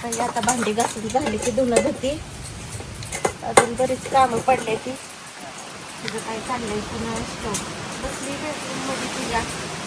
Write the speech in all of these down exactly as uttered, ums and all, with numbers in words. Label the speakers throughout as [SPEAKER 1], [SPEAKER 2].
[SPEAKER 1] काही आता भांडी घासून झाली की धुणं धुती. अजून बरीच कामं पडले ती. तुझं काय चाललंय पुन्हा असतो बसली बेडरूम मध्ये तुझ्या.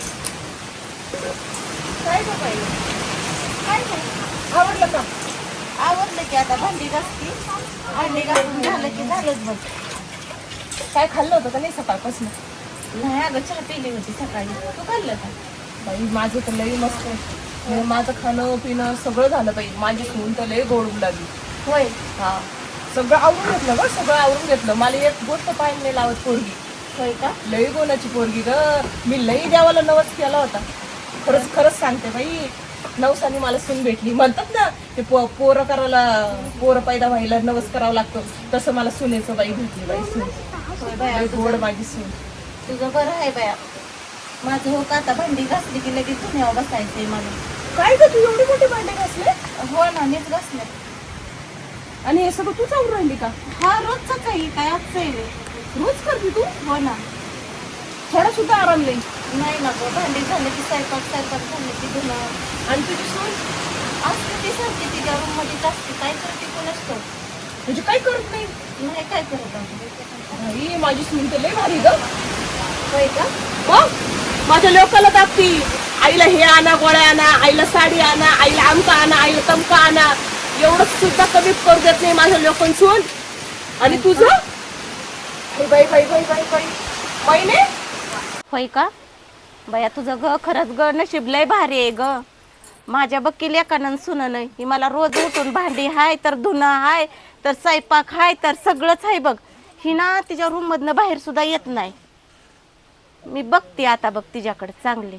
[SPEAKER 1] काय गं बाई काय नाही
[SPEAKER 2] आवडलं का?
[SPEAKER 1] आवडलं की आता भांडी घासती. भांडी घासून झालं की झालंच बघ.
[SPEAKER 2] काय खाल्लं होतं का नाही सकाळपासून?
[SPEAKER 1] नाही अगं चहा पिली होती सकाळी. तू खाल्लं का?
[SPEAKER 2] बाई माझं तर लई मस्त आहे. म्हणजे माझं खाणं पिणं सगळं झालं बाई. माझी सून तर लई गोड लागली.
[SPEAKER 1] होय
[SPEAKER 2] हा सगळं आवरून घेतलं ग, सगळं आवरून घेतलं. मला एक गोष्ट पाहिजे नाही लावत पोरगी.
[SPEAKER 1] होय का?
[SPEAKER 2] लई गोनाची पोरगी ग. मी लई देवाला नवस केला होता. खरंच खरंच सांगते बाई, नवसानी मला सून भेटली. म्हणतात ना ते पो पोरं करायला पोरं पैदा व्हायला नवस करावं लागतो, तसं मला सुनेचं बाई भेटली बाई. सून
[SPEAKER 1] होय बाया
[SPEAKER 2] लई गोड माझी सून.
[SPEAKER 1] तुझं बरं आहे बाया. माझं हो का आता भांडी घासली की लगेच धुण्यावर बसायचंय मला.
[SPEAKER 2] काय ग तू एवढी मोठी भांडे घासले?
[SPEAKER 1] हो ना मीच घासले.
[SPEAKER 2] आणि हे सगळं तूच आवरून राहिली का?
[SPEAKER 1] हा रोजच आहे काय आजचं आहे.
[SPEAKER 2] रोज करते तू?
[SPEAKER 1] हो ना.
[SPEAKER 2] थोडा सुद्धा आराम नाही.
[SPEAKER 1] नाही ना गं भांडी झालं की स्वयंपाक स्वयंपाक झालं की धुणं.
[SPEAKER 2] आणि तुझी सून
[SPEAKER 1] असते ती सारखी तिच्या रूम मध्येच असते. काय करते कोण असतो
[SPEAKER 2] म्हणजे काय करत नाही?
[SPEAKER 1] नाही काय करत आहोत.
[SPEAKER 2] आई माझी सून तर लई भारी ग.
[SPEAKER 1] होय का?
[SPEAKER 2] मग माझ्या लोकाला दाखती. आईला हे आणा, गोळ्या आणा, आईला साडी आणा, आईला आमका आणा, आईला तमका आणा. एवढं सुद्धा कमी करू देत नाही माझ्या लोकांना सून. आणि तुझं बाई बाई बाई बाई बाई महिने.
[SPEAKER 1] होय का बया तुझं ग खरंच ग नशीब लय भारी आहे ग. माझ्या बक्की लेकानं सुनं नाही. ही मला रोज उठून भांडी हाय तर धुणं हाय तर स्वयंपाक हाय तर सगळंच आहे बघ. ही ना तिच्या रूम मधनं बाहेर सुद्धा येत नाही. मी बघते आता बघ तिच्याकडे चांगले.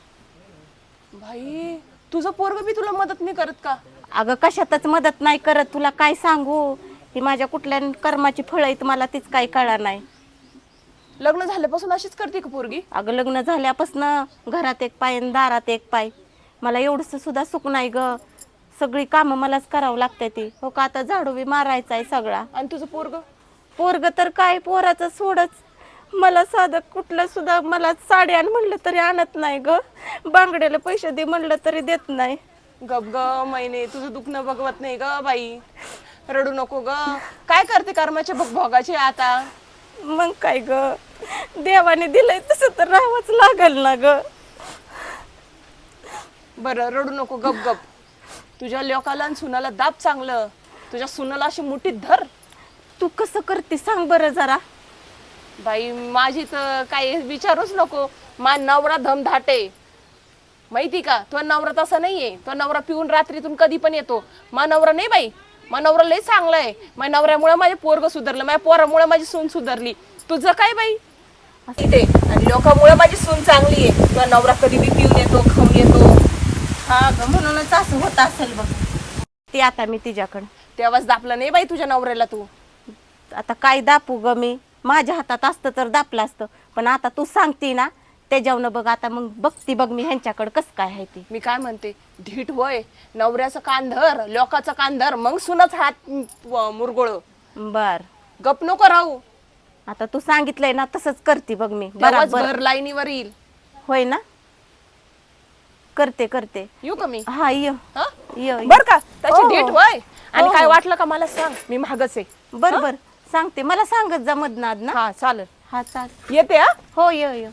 [SPEAKER 2] भाई तुझं पोरग बी तुला मदत नाही करत का?
[SPEAKER 1] अगं कशातच मदत नाही करत. तुला काय सांगू ही माझ्या कुठल्या कर्माची फळं आहेत मला तीच काही कळा नाही.
[SPEAKER 2] लग्न झाल्यापासून अशीच करते का पोरगी?
[SPEAKER 1] अगं लग्न झाल्यापासून घरात एक पाय आणि दारात एक पाय. मला एवढंसं सुद्धा सुख नाही ग. सगळी कामं मलाच करावं लागते ती. हो का आता झाडू बी मारायचा आहे सगळा.
[SPEAKER 2] आणि तुझं पोरग?
[SPEAKER 1] पोरग तर काय पोराचं सोडच. मला साधं कुठलं सुद्धा मला साडी आण म्हणलं तरी आणत नाही ग. बांगड्याला पैसे दे म्हणलं तरी देत नाही.
[SPEAKER 2] गप ग महिने तुझं दुखणं बघवत नाही ग बाई. रडू नको ग. काय करते कर्माचे भोग भोगाचे आता?
[SPEAKER 1] मग काय ग देवाने दिलंय तसं तर राहावंच लागल ना ग.
[SPEAKER 2] बरं रडू नको गप गप. तुझ्या लोकाला आणि सुनाला दाब चांगलं. तुझ्या सुनाला अशी मुठीत धर.
[SPEAKER 1] तू कसं करते सांग बरं जरा.
[SPEAKER 2] बाई माझी तर काही विचारूच नको. मा नवरा धमधाटे माहिती का? तो नवरा तसा नाहीये. तो नवरा पिऊन रात्रीतून कधी पण येतो. मा नवरा नाही बाई. मा नवरा लय चांगला आहे. माझ्या नवऱ्यामुळे माझे पोरग सुधारलं. माझ्या पोरामुळे माझी सून सुधारली. तुझं काय बाई? इथे आणि लोकांमुळे माझी सून चांगली आहे. तुझा नवरा कधी बी पिऊन येतो, खाऊन येतो.
[SPEAKER 1] हा ग म्हणूनच असं होत असेल बघ. ते आता मी तिच्याकडं
[SPEAKER 2] तेव्हाच दापलं नाही बाई तुझ्या नवऱ्याला तू.
[SPEAKER 1] आता काय दापू ग मी. माझ्या हातात असतं तर दापलं असतं. पण आता तू सांगते ना त्याच्यावनं बघ आता मग बघती बघ मी ह्यांच्याकडं कसं काय आहे ती.
[SPEAKER 2] मी काय म्हणते धीट वय नवऱ्याचं कान धर, लोकाचं कान धर, मग सुनच हात मुरगोळ.
[SPEAKER 1] बर
[SPEAKER 2] गप नको राहू.
[SPEAKER 1] आता तू सांगितलंय ना तसंच करते बघ मी.
[SPEAKER 2] तेव्हाच
[SPEAKER 1] बरोबर
[SPEAKER 2] घर लाईनीवर येईल.
[SPEAKER 1] होय ना करते करते.
[SPEAKER 2] येऊ का मी?
[SPEAKER 1] हा ये
[SPEAKER 2] हा
[SPEAKER 1] ये
[SPEAKER 2] बर का त्याची
[SPEAKER 1] हो,
[SPEAKER 2] धीट
[SPEAKER 1] हो.
[SPEAKER 2] वय. आणि
[SPEAKER 1] हो,
[SPEAKER 2] काय
[SPEAKER 1] हो.
[SPEAKER 2] वाटलं का मला सांग. मी महागच आहे.
[SPEAKER 1] बर बर सांगते मला सांगत जा मधनाद ना.
[SPEAKER 2] हा चालेल.
[SPEAKER 1] हा चाल
[SPEAKER 2] येते हा.
[SPEAKER 1] हो ये ये.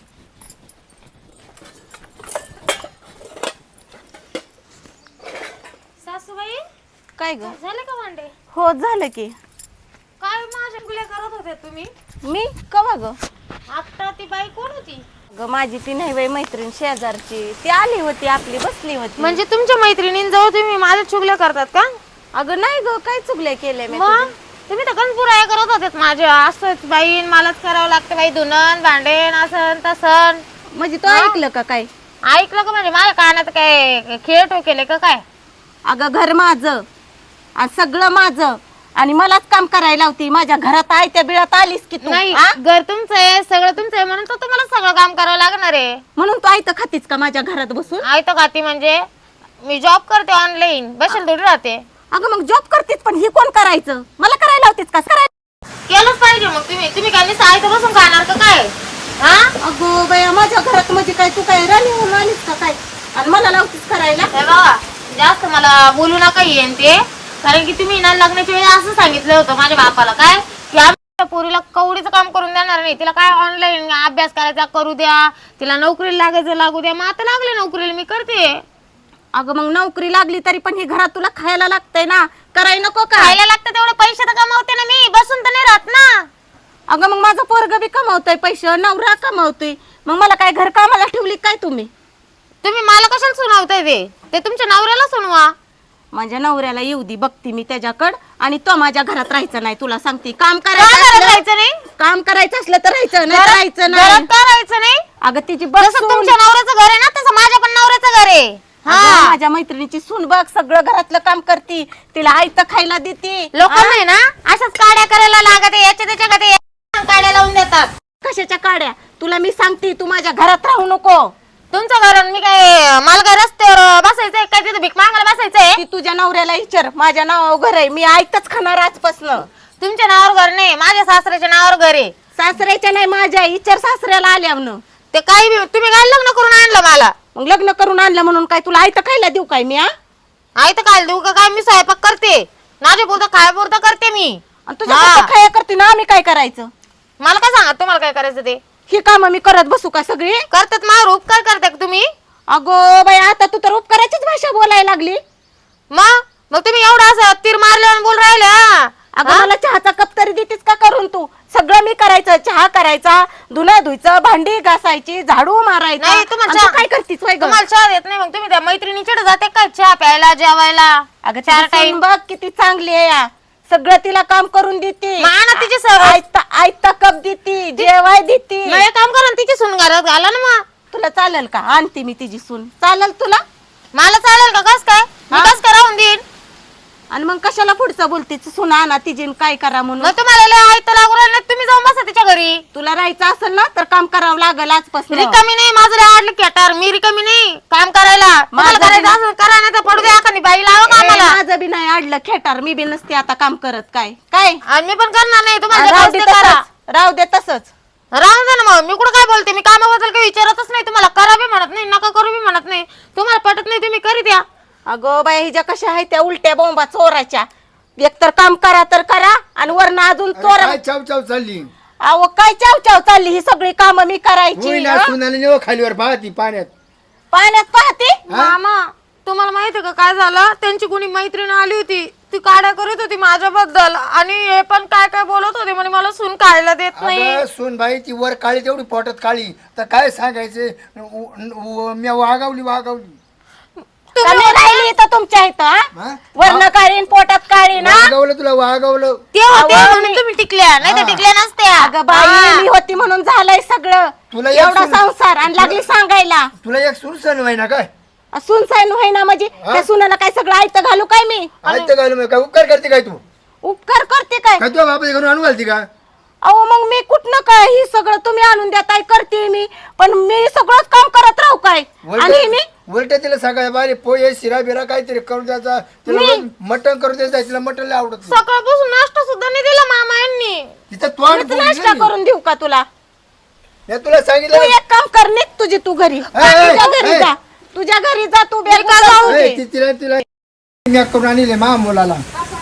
[SPEAKER 3] सासूबाई
[SPEAKER 1] काय ग?
[SPEAKER 3] झाले का भांडे?
[SPEAKER 1] हो झालं की.
[SPEAKER 3] काय माझ्या गुल्या करत होते तुम्ही?
[SPEAKER 1] मी कवा ग?
[SPEAKER 3] आता ती बाई कोण होती?
[SPEAKER 1] ग माझी ती नाही बाई मैत्रीण शेजारची. ती आली होती आपली बसली होती.
[SPEAKER 3] म्हणजे तुमच्या मैत्रिणींजवळ तुम्ही माझ्या चुगल्या करतात का?
[SPEAKER 1] अगं नाही ग काय चुकले केले मी
[SPEAKER 3] मग तुम्ही तर गणपुराया करत होते माझ्या. असंच बाई मलाच करावं लागतं बाई धुणं भांडेन असं तसं.
[SPEAKER 1] म्हणजे तो ऐकलं का काय?
[SPEAKER 3] ऐकलं का म्हणजे माझ्या कानात काय खेळ ठोकेले का काय?
[SPEAKER 1] अगं घर माझं आणि सगळं माझं आणि मलाच काम करायला होती. माझ्या घरात आहे त्या बिळात आलीस की तू.
[SPEAKER 3] नाही
[SPEAKER 1] आ?
[SPEAKER 3] घर तुमचं आहे सगळं तुमचं आहे म्हणून तर तुम्हाला सगळं काम करावं लागणार आहे.
[SPEAKER 1] म्हणून तू आयत खातीस का माझ्या घरात बसून?
[SPEAKER 3] ऐकतो खाती म्हणजे मी जॉब करते ऑनलाईन बसेल थोडी राहते.
[SPEAKER 1] अगं मग जॉब करतीस पण ही कोण करायचं? मला करायला होतीस का? करायला
[SPEAKER 3] केलंच पाहिजे मग तुम्ही तुम्ही काय नुसतं ऐकत बसून खाणार का काय? हा
[SPEAKER 1] अगो बाया माझ्या घरात म्हणजे काय तू काय राणी होऊन आलीस का काय? आणि मला लावतीस करायला?
[SPEAKER 3] हे बघा जास्त मला बोलू नका येईन ते, कारण की तुम्ही ना लग्नाच्या वेळी असं सांगितलं होतं माझ्या बापाला काय की आमच्या पोरीला कवडीचं काम करून देणार नाही, तिला काय ऑनलाईन अभ्यास करायचा करू द्या, तिला नोकरीला लागायचं लागू द्या. मग आता लागले नोकरीला, मी करते.
[SPEAKER 1] अगं मग नोकरी लागली तरी पण ही घरात तुला खायला लागतंय ना, कराय नको का?
[SPEAKER 3] खायला लागतं तेवढे पैसे तर कमावते ना मी, बसून तर नाही राहत ना.
[SPEAKER 1] अगं मग माझं पोरग बी कमावतोय पैसे, नवरा कमावतोय, मग मला काय घर कामाला ठेवली काय तुम्ही?
[SPEAKER 3] तुम्ही मला कशाला सुनावताय ते ते तुमच्या नवऱ्याला सुनवा.
[SPEAKER 1] माझ्या नवऱ्याला येऊ दे, बघते मी त्याच्याकडं, आणि तो माझ्या घरात राहायचं नाही. तुला सांगते, काम
[SPEAKER 3] का
[SPEAKER 1] करायचं
[SPEAKER 3] घरात
[SPEAKER 1] असलं-
[SPEAKER 3] राहायचं नाही?
[SPEAKER 1] काम करायचं असलं तर राहायचं, नाही तर
[SPEAKER 3] घरात
[SPEAKER 1] राहायचं
[SPEAKER 3] घरात
[SPEAKER 1] नाही.
[SPEAKER 3] का राहायचं नाही?
[SPEAKER 1] अगं तिची
[SPEAKER 3] जसं
[SPEAKER 1] बसून
[SPEAKER 3] तुमच्या नवऱ्याचं घर आहे ना तसं माझ्या पण नवऱ्याचं घर आहे.
[SPEAKER 1] अगं,
[SPEAKER 3] हा
[SPEAKER 1] माझ्या मैत्रिणीची सून बघ, सगळं घरातलं काम करती, तिला आयत खायला देते.
[SPEAKER 3] लोक नाही ना अशाच काड्या करायला लागत याच्या त्याच्या कडे काड्या लावून देतात.
[SPEAKER 1] कशाच्या काड्या? तुला मी सांगते, तू माझ्या घरात राहू नको.
[SPEAKER 3] तुमचं घर मी काय मला काय रस्त्यावर बसायचंय काय, तिथे भीक मागायला बसायचंय?
[SPEAKER 1] ती तुझ्या नवऱ्याला विचार, माझ्या नावावर घर आहे, मी आयतच खाणार आजपासनं.
[SPEAKER 3] तुमच्या नावावर घर नाही, माझ्या सासऱ्याच्या नावावर घर आहे.
[SPEAKER 1] सासऱ्याच्या नाही, माझ्या विचार सासऱ्याला आल्यावर.
[SPEAKER 3] ते काही बी तुम्ही काय लग्न करून आणलं मला?
[SPEAKER 1] मग लग्न करून आणलं म्हणून काय तुला आयत खायला देऊ काय मी? हा?
[SPEAKER 3] आई तर काय देऊ का काय? मी स्वयंपाक करते, माझ्या पुरतं खायापुरतं करते मी.
[SPEAKER 1] आणि तुझ्या
[SPEAKER 3] हा.
[SPEAKER 1] पुरतं खाया करते ना, आम्ही काय करायचं?
[SPEAKER 3] मला काय सांगा तुम्हाला काय करायचं ते?
[SPEAKER 1] ही काम मी करत बसू का सगळी?
[SPEAKER 3] करतात माझ्यावर उपकार करता का तुम्ही?
[SPEAKER 1] अगो बाई, आता तू तर उपकाराचीच भाषा बोलायला लागली.
[SPEAKER 3] मग मग तुम्ही एवढं असं तीर मारल्यावर बोल राहिले? हा?
[SPEAKER 1] अगं मला चहाचा कप तरी देतीस का करून? तू सगळं मी करायचं, चहा करायचा, धुणं धुयचं, भांडी घासायची, झाडू मारायचा.
[SPEAKER 3] नाही तुम्हाला
[SPEAKER 1] आणि तू
[SPEAKER 3] चहा-
[SPEAKER 1] काय करतीस वय गं?
[SPEAKER 3] तुम्हाला चहा देत नाही, मग तुम्ही त्या मैत्रिणीकडे जाते काय चहा प्यायला जेवायला?
[SPEAKER 1] अगं
[SPEAKER 3] चार
[SPEAKER 1] चार टाइम बघ किती चांगली आहे या. सगळं तिला काम करून देते,
[SPEAKER 3] मग आणा तिची सवय.
[SPEAKER 1] आयता आयता कप देते, जेवाय देते.
[SPEAKER 3] मग एक काम करा ना, तिची सून घरात घाला ना. मग
[SPEAKER 1] तुला चालेल का? आणते मी तिची सून, चालेल तुला?
[SPEAKER 3] मला चालेल का? कस काय मी
[SPEAKER 1] हा?
[SPEAKER 3] कस काय राहून देईन?
[SPEAKER 1] आणि मग कशाला पुढचं बोलतीस? सून आणा तिची आणि काय करा म्हणून.
[SPEAKER 3] मग तुम्हाला लय आयत लागू राहिलं, तुम्ही जाऊन बसा तिच्या घरी.
[SPEAKER 1] तुला राहायचं असेल ना तर काम करावं लागेल आजपासून.
[SPEAKER 3] रिकामी नाही, माझं लय आवडलं कॅटर, मी रिकामी नाही काम करायला. तुम्हाला
[SPEAKER 1] माझं
[SPEAKER 3] करायचं
[SPEAKER 1] बी-
[SPEAKER 3] असेल करा, नाही तर पडू द्या एखादी बाई लावा का
[SPEAKER 1] ए,
[SPEAKER 3] आम्हाला.
[SPEAKER 1] माझं बी नाही अडलं खेटार, मी बी नसते आता काम करत. काय काय
[SPEAKER 3] आणि मी पण करणार नाही, तुम्हाला जे
[SPEAKER 1] राहू दे
[SPEAKER 3] करायचं ते करा.
[SPEAKER 1] तसंच, राहू दे तसंच.
[SPEAKER 3] राहून दे ना. मग मी कुठं काय बोलते? मी कामाबद्दल काही विचारतच नाही तुम्हाला. करा बी म्हणत नाही, नका करू बी म्हणत नाही. तुम्हाला पटत नाही तुम्ही करी द्या.
[SPEAKER 1] अगं बाई, हिच्या कशा आहेत त्या उलट्या बोंबा चोराच्या. एकतर काम करा तर करा, आणि वरनं अजून चोर.
[SPEAKER 4] काय चाव चाव चालली
[SPEAKER 1] अहो काय चाव चाव चालली, ही सगळी कामं मी करायची.
[SPEAKER 4] होईना
[SPEAKER 1] हं?
[SPEAKER 4] सुनाने नेव खालीवर पाहती पाण्यात.
[SPEAKER 1] पाण्यात पाहते.
[SPEAKER 3] मामा तुम्हाला माहिती का काय झालं? त्यांची कोणी मैत्रीण आली होती, ती काड्या करत होती माझ्याबद्दल, आणि हे पण काय काय बोलत होते म्हणे मला सून खायला देत नाही.
[SPEAKER 4] अगं सून बाई ती वर काळी तेवढी पोटात काळी, तर काय सांगायचे? मी वागावली वागावली
[SPEAKER 1] कमी राहिली तर तुमच्या इथं हा?
[SPEAKER 4] हा?
[SPEAKER 1] वरनं काळी पोटात काळी ना.
[SPEAKER 4] वागवलं तुला वागवलं.
[SPEAKER 3] ते होते
[SPEAKER 1] अहो,
[SPEAKER 3] म्हणून तुम्ही टिकल्या, नाही तर
[SPEAKER 4] हा.
[SPEAKER 3] टिकल्या नसत्या.
[SPEAKER 1] अगं बाई, मी होती म्हणून झालंय सगळं.
[SPEAKER 4] तुला एक
[SPEAKER 1] एवढा
[SPEAKER 4] सून-
[SPEAKER 1] संसार, आणि लागली सांगायला
[SPEAKER 4] तुला एक सून सण व्हाय ना काय?
[SPEAKER 1] सुन साईन होईना म्हणजे
[SPEAKER 4] हा?
[SPEAKER 1] त्या सुनाला काय सगळं आयतं घालू काय मी?
[SPEAKER 4] आयतं घालू मग काय उपकार करते काय तू?
[SPEAKER 1] उपकार करते काय?
[SPEAKER 4] काय तुझ्या बापाच्या घरून आणू घालती का?
[SPEAKER 1] अहो मग मी कुठनं काय, ही सगळं तुम्ही आणून देताय करते मी, पण मी सगळंच काम करत राहू काय? आणि मी
[SPEAKER 4] उलट तिला सकाळी बारी पोहे शिरा बिरा काहीतरी करून द्यायचा, तिला मटण करून द्यायचं. तिला मटण लय आवडत नाही.
[SPEAKER 3] सकाळपासून नाश्ता सुद्धा नाही दिला मामा यांनी.
[SPEAKER 4] तिचं तोंड
[SPEAKER 1] मीच
[SPEAKER 4] फुगलं
[SPEAKER 1] नाश्ता
[SPEAKER 4] नाही.
[SPEAKER 1] करून देऊ का तुला?
[SPEAKER 4] मी तुला
[SPEAKER 1] तू
[SPEAKER 4] सांगितलं
[SPEAKER 1] एक काम कर, निघ तुझी तू घरी, तुझ्या घरी जा, तुझ्या घरी जा तू. बेल
[SPEAKER 3] का जाऊ
[SPEAKER 4] ए, ती- तिला तिला मी करून आणले मा मुलाला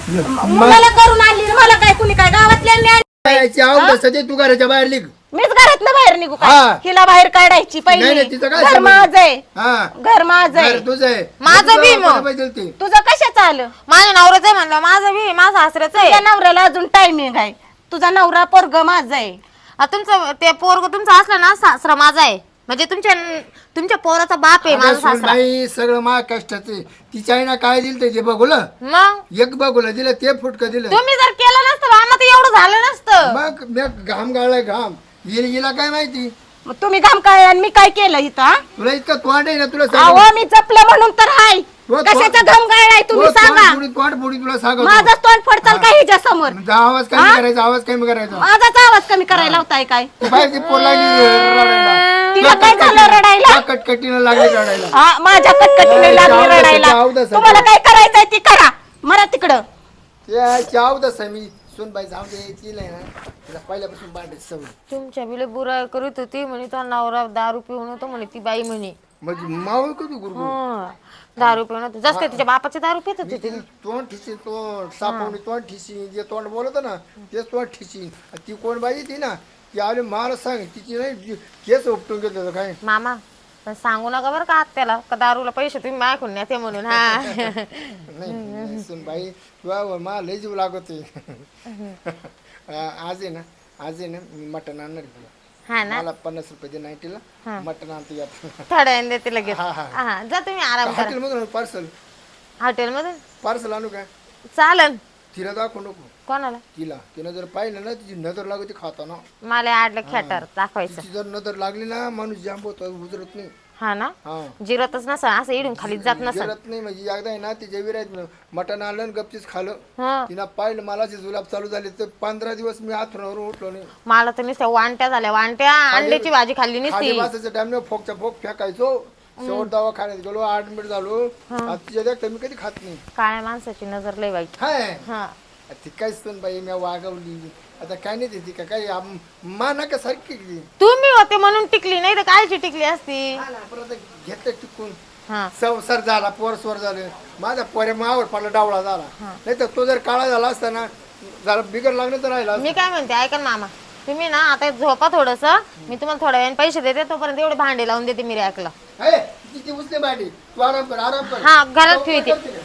[SPEAKER 1] मुलाला करून आणली, मला काय कुणी काय गावातल्यांनी आणली?
[SPEAKER 4] याची आवड सध्या तू घराच्या बाहेर निघ.
[SPEAKER 1] मीच घरातनं बाहेर निघू
[SPEAKER 4] हा.
[SPEAKER 1] काय? हिला बाहेर काढायची
[SPEAKER 4] नाही,
[SPEAKER 1] पहिली.
[SPEAKER 4] नाही, तिचं काय
[SPEAKER 1] घर
[SPEAKER 4] संबंध?
[SPEAKER 1] माझं आहे,
[SPEAKER 4] हा
[SPEAKER 1] घर माझं आहे.
[SPEAKER 4] घर तुझं आहे.
[SPEAKER 3] माझं
[SPEAKER 4] तुझं
[SPEAKER 3] बी मग.
[SPEAKER 4] बापाला पाहिजे ते.
[SPEAKER 1] तुझं कशाचं आलं?
[SPEAKER 3] माझ्या नवऱ्याचं आहे म्हणलं, माझं बी माझं सासऱ्याचं आहे.
[SPEAKER 1] तुझ्या नवऱ्याला अजून टायमिंग आहे. तुझा नवरा पोरग माझा आहे.
[SPEAKER 3] आ, तुमचं ते पोरग तुमचं असलं ना, सासरा माझा आहे. म्हणजे तुमच्या तुमच्या पोराचा बाप आहे माझा
[SPEAKER 4] अगं, सून
[SPEAKER 3] सासरा.
[SPEAKER 4] बाई सगळं मा कष्टाचे. तिच्या आईनं काय दिलं ते बघूलं,
[SPEAKER 3] मग
[SPEAKER 4] एक बघूलं दिलं, ते फुटकं दिलं.
[SPEAKER 3] तुम्ही जर केलं नसतं मामा तर एवढं झालं नसतं.
[SPEAKER 4] मग मी घाम गाळलाय घाम. हिला हिला काय माहिती?
[SPEAKER 1] मग तुम्ही घाम काय आणि मी काय केलं इथं हा?
[SPEAKER 4] तुला इतकं तोंड आहे ना, तुला
[SPEAKER 1] अहो
[SPEAKER 4] सांग.
[SPEAKER 1] मी जपलं म्हणून तर हाय.
[SPEAKER 4] तो-
[SPEAKER 1] कशाचा घाम गाळलाय तुम्ही सांगा?
[SPEAKER 4] तोंड फोडी तुला सांगतो.
[SPEAKER 1] माझा तोंड फडचाल का हिच्या समोर?
[SPEAKER 4] जा, आवाज कमी करायचा, आवाज कमी करायचा.
[SPEAKER 1] माझाच आवाज कमी करायला लावताय काय?
[SPEAKER 4] बाहेर ती पोर लागली रडायला.
[SPEAKER 1] तिला काय झालं रडायला?
[SPEAKER 4] त्या कटकटीनं लागली रडायला.
[SPEAKER 1] हा, माझ्या कटकटीने लागली
[SPEAKER 4] चावलं
[SPEAKER 1] रडायला.
[SPEAKER 4] सध्या, आवडं सध्या.
[SPEAKER 1] तुम्हाला काय करायचंय ती करा, मरा तिकडं.
[SPEAKER 4] त्या चाव तसं मी सुन बाई जाऊ दे, तिला आहे ना तिला पहिल्यापासून बांधायची सवय.
[SPEAKER 3] तुमच्या बिले बुराई करीत होती म्हणे, तो नवरा दारू पिऊन होतो म्हणे ती बाई म्हणे.
[SPEAKER 4] म्हणजे मावळ कधी गुरु
[SPEAKER 3] हं. दारू पिऊन होते जसं काय तिच्या बापाची दारू पित होती ती.
[SPEAKER 4] तोंड ठिसीन तोंड सापवणी तोंड ठिसीन जे तोंड बोलत ना तेच तोंड ठिसीन ती कोण बाई ती ना ती आली मला सांग तिची नाही केस उपटून घेतलं काय
[SPEAKER 3] मामा पण सांगू नका बरं का आत्याला का दारूला पैसे तुम्ही मायकून न्या ते म्हणून हा
[SPEAKER 4] नाही नाही, सुन बाई तुला मला लय जीव लागत आज आहे ना आज आहे ना मी मटण आणणार आहे तुला
[SPEAKER 3] हा ना
[SPEAKER 4] मला पन्नास रुपये दे नाईटीला मटण आणतो यात
[SPEAKER 3] थोड्या वेळाने देते लगेच
[SPEAKER 4] हा, हा.
[SPEAKER 3] हा जा तुम्ही आराम करा
[SPEAKER 4] हॉटेलमधून पार्सल
[SPEAKER 3] हॉटेल मधून
[SPEAKER 4] पार्सल आणू काय
[SPEAKER 3] चालन
[SPEAKER 4] तिला दाखवू नको
[SPEAKER 3] कोणाला
[SPEAKER 4] तिला तिनं जर पाहिलं ना तिची नजर लागते खाताना
[SPEAKER 3] मला आडलं खेटर दाखवायचं
[SPEAKER 4] तिची जर नजर लागली ना माणूस जांब होतो उजरत नाही
[SPEAKER 3] हा ना
[SPEAKER 4] हा
[SPEAKER 3] जिरतच नसा असं इडून खाली जात नसा
[SPEAKER 4] उजरत नाही म्हणजे एकदा आहे ना तिच्या विरायत मटण आणलं आणि गपचीच खाल्लं
[SPEAKER 3] हा
[SPEAKER 4] तिनं पाहिलं मला जे जुलाब चालू झाले तर पंधरा दिवस मी आथरुणावरून उठलो नाही
[SPEAKER 3] मला तर नुसत्या वांट्या झाल्या वांट्या अंड्याची भाजी खाल्ली
[SPEAKER 4] खाली
[SPEAKER 3] नसती
[SPEAKER 4] बसायच्या टाइम फोकचा फोक फेकायचो शेवट दवाखान्यात गेलो ऍडमिट झालो आता तिच्या देखता मी कधी खात नाही
[SPEAKER 3] काळ्या माणसाची नजर लय वाईट
[SPEAKER 4] हाय
[SPEAKER 3] हा
[SPEAKER 4] ती काहीच पण बाई मी वागवली आता काय नाही ती का काही आम- मा का सारखी केली.
[SPEAKER 3] तुम्ही होते म्हणून टिकली नाही तर कायची टिकली असती
[SPEAKER 4] हा ना, परत घेतलं टिकून
[SPEAKER 3] हा
[SPEAKER 4] संसार झाला पोरस्वर झाले माझा पोऱ्या मावर पडला डावळा झाला नाही तर तो जर काळा झाला असता ना जरा बिगर लागलं तर राहिला असता.
[SPEAKER 3] मी काय म्हणते ऐका ना मामा तुम्ही ना आता झोपा थोडस मी तुम्हाला थोड्या वेळाने पैसे देते तोपर्यंत एवढे भांडे लावून देते मी रॅकला
[SPEAKER 4] हे, तिची उचले बाडी तू आराम कर आराम कर
[SPEAKER 3] हा घरात
[SPEAKER 4] लवकर
[SPEAKER 3] ठेवते
[SPEAKER 4] करते.